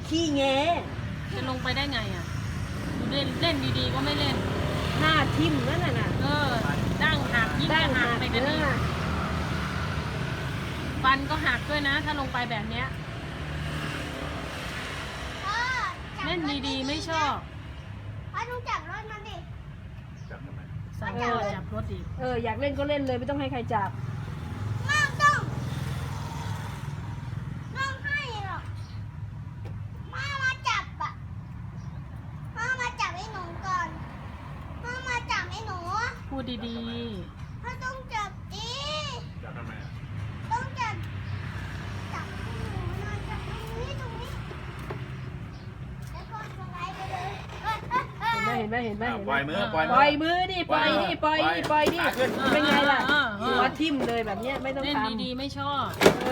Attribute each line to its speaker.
Speaker 1: ขี้แง
Speaker 2: จะลงไปได้ไงอ่ะเล่นดีๆก็ไม่เล่น
Speaker 1: หน้าทิ่มนั่นน่ะ
Speaker 2: ดั้งหักยิ่งจะหักไปกันอีกฟันก็หักด้วยนะ ถ้าลงไปแบบเนี้ยเล่นดีๆไม่ชอบ
Speaker 3: พ่อต้องจับรถมันดิ
Speaker 4: จับทำไม
Speaker 2: สั่งจับรถอีก
Speaker 1: อยากเล่นก็เล่นเลยไม่ต้องให้ใครจับ
Speaker 3: ไม่ต้องให้หรอกพ่อมาจับอ่ะพ่อมาจับไอ้หนูก่อนพ่อมาจับไอ้หนู
Speaker 2: พูดดี
Speaker 3: พ่อต้องจับดิ
Speaker 4: จับทำไมอ่ะ
Speaker 3: ต้องจับจับให้หนูหน่อยจับตรงนี้แล้วก็สไลด์ไปเลย
Speaker 1: เห็นไหม
Speaker 4: ปล่อยมือ
Speaker 1: ปล่อยมือดิปล่อยดิเป็นไงล่ะ
Speaker 2: ๆ
Speaker 1: หัวทิ่มเลยแบบเนี้ยไม่ต้อง
Speaker 2: เล่น
Speaker 1: ทำ
Speaker 2: ดีๆไม่ชอบ